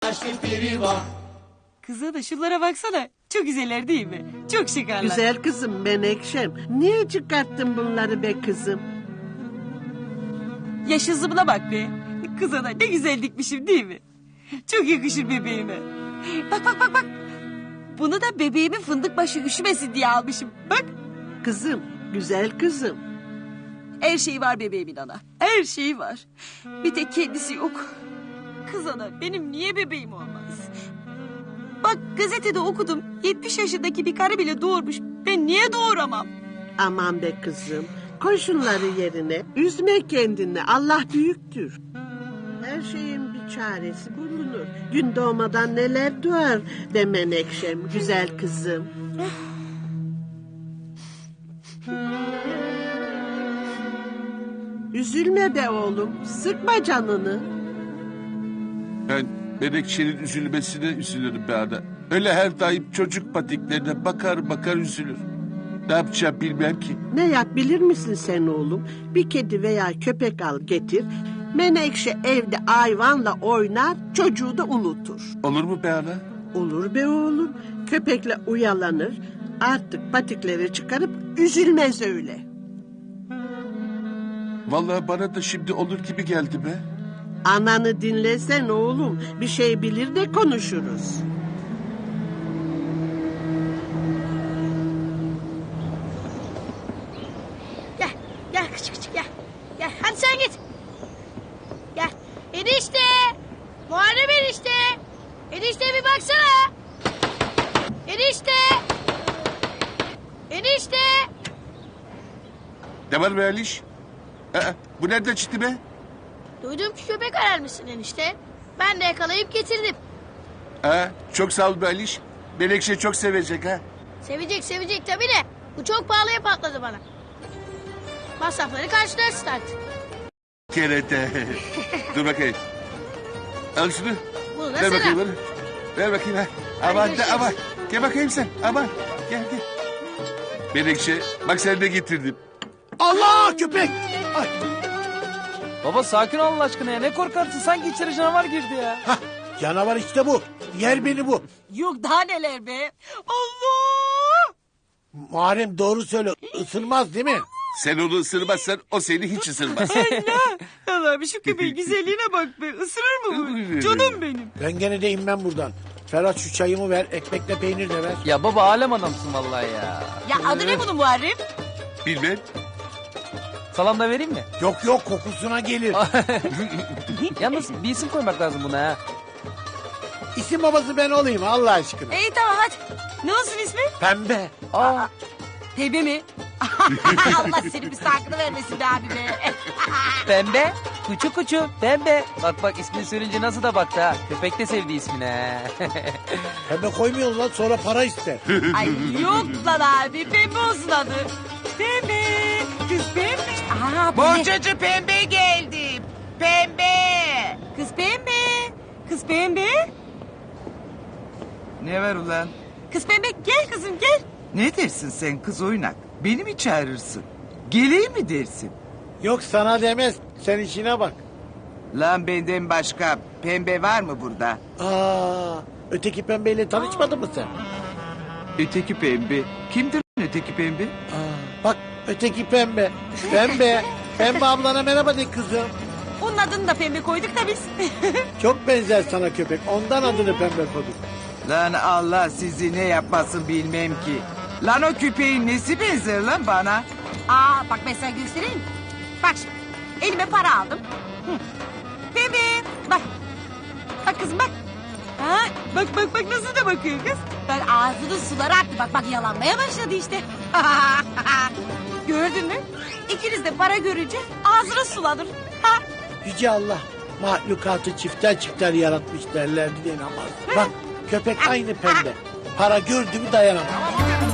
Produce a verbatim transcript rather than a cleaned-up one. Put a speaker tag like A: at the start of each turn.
A: Kıza da şunlara baksana. Çok güzeller değil mi? Çok şıkarlar.
B: Güzel kızım Menekşem. Niye çıkarttın bunları be kızım?
A: Yaş hızımına bak be. Kıza da ne güzel dikmişim değil mi? Çok yakışır bebeğime. Bak bak bak bak. Bunu da bebeğimin fındık başı üşümesin diye almışım. Bak.
B: Kızım, güzel kızım.
A: Her şeyi var bebeğimin ana. Her şeyi var. Bir tek kendisi yok. Kız ana benim niye bebeğim olmaz? Bak gazetede okudum. yetmiş yaşındaki bir karı bile doğurmuş. Ben niye doğuramam?
B: Aman be kızım. Koy şunları yerine. Üzme kendini. Allah büyüktür. Her şeyin bir çaresi bulunur. Gün doğmadan neler doğar be Menekşem. Güzel kızım. Üzülme be oğlum. Sıkma canını.
C: Ben Menekşe'nin üzülmesine üzülürüm be ana. Öyle her daim çocuk patiklerine bakar bakar üzülür. Ne yapacağım bilmem ki.
B: Ne yap bilir misin sen oğlum? Bir kedi veya köpek al getir. Menekşe evde hayvanla oynar, çocuğu da unutur.
C: Olur mu be ana?
B: Olur be oğlum. Köpekle uyalanır. Artık patikleri çıkarıp üzülmez öyle.
C: Vallahi bana da şimdi olur gibi geldi be.
B: Ananı dinlesen oğlum. Bir şey bilir de konuşuruz.
D: Gel, gel küçük küçük gel. Gel, hadi sen git. Gel. Enişte. Muharrem enişte. Enişte bir baksana. Enişte. Enişte.
C: Ne var be Aliş? Aa, bu nereden çıktı be?
D: Duydum ki köpek ararmışsın enişte. Ben de yakalayıp getirdim.
C: Aa, çok sağ ol be Aliş. Menekşe çok sevecek ha.
D: Sevecek sevecek tabii de. Bu çok pahalıya patladı bana. Masrafları karşılarsın artık.
C: Kerete. Dur bakayım. Al şunu.
D: Bunu da
C: Ver
D: sana.
C: bakayım bana. Ver bakayım ha. Aman da
D: görüşürüz.
C: aman. Gel bakayım sen. Aman. Gel gel. Menekşe bak sen de getirdim.
E: Allah köpek! Ay,
F: Baba sakin ol Allah aşkına ya. Ne korkarsın? Sanki içeri canavar girdi ya.
E: hah, canavar işte bu. Yer beni bu.
A: Yok daha neler be. Allah!
E: Muharrem doğru söyle. Isırmaz değil mi?
C: Sen onu ısırmazsan o seni hiç ısırmaz.
A: Allah'ım şu köpeğin güzelliğine bak be. Isırır mı bu? Canım benim.
E: Ben gene de inmem buradan. Ferhat şu çayımı ver. Ekmekle peynir de ver.
F: Ya baba alem adamsın vallahi ya.
A: Ya adı ne bunun Muharrem?
C: Bilmem.
F: Salam da vereyim mi?
E: Yok yok kokusuna gelir.
F: Yalnız bir isim koymak lazım buna ha.
E: İsim babası ben olayım Allah aşkına.
A: İyi tamam hadi. Ne olsun ismi?
E: Pembe.
F: Aa,
A: Teybe mi? Allah senin müstakını vermesin be abi be.
F: pembe. Kuçu kuçu pembe. Bak bak ismini söyleyince nasıl da baktı ha. Köpek de sevdi ismini ha.
E: Pembe koymuyorsun lan sonra para ister.
A: Ay yok lan abi pembe olsun adı. Pembe. Kız pembe. Aa, bu ne?
G: Bohçacı pembe geldi. Pembe.
A: Kız pembe. Kız pembe.
G: Ne var ulan?
A: Kız pembe gel kızım gel.
G: Ne dersin sen kız oynak? Beni mi çağırırsın? Geleyim mi dersin?
E: Yok sana demez. Sen işine bak.
G: Lan benden başka pembe var mı burada?
E: Aa, öteki pembeyle tanışmadın mı sen?
G: Öteki pembe. Kimdir lan öteki pembe?
E: Aa, bak öteki pembe. Pembe. Pembe ablana merhaba de kızım.
A: Onun adını da pembe koyduk da biz.
E: Çok benzer sana köpek. Ondan adını pembe koyduk.
G: Lan Allah sizi ne yapmasın bilmem ki. Lan o küpeğin nesi benzer lan bana?
A: Aa bak ben sana göstereyim. Bak şimdi elime para aldım. Hı. Pembe bak. Bak kızım bak. Ha, bak bak bak nasıl da bakıyor kız. Ben ağzının suları aktı bak bak yalanmaya başladı işte. Gördün mü? İkiniz de para görünce ağzına sulanır. Ha.
E: Yüce Allah mahlukatı çifter çifter yaratmış derlerdi diye namaz. Bak köpek aynı pembe. Para gördü mü dayanamaz.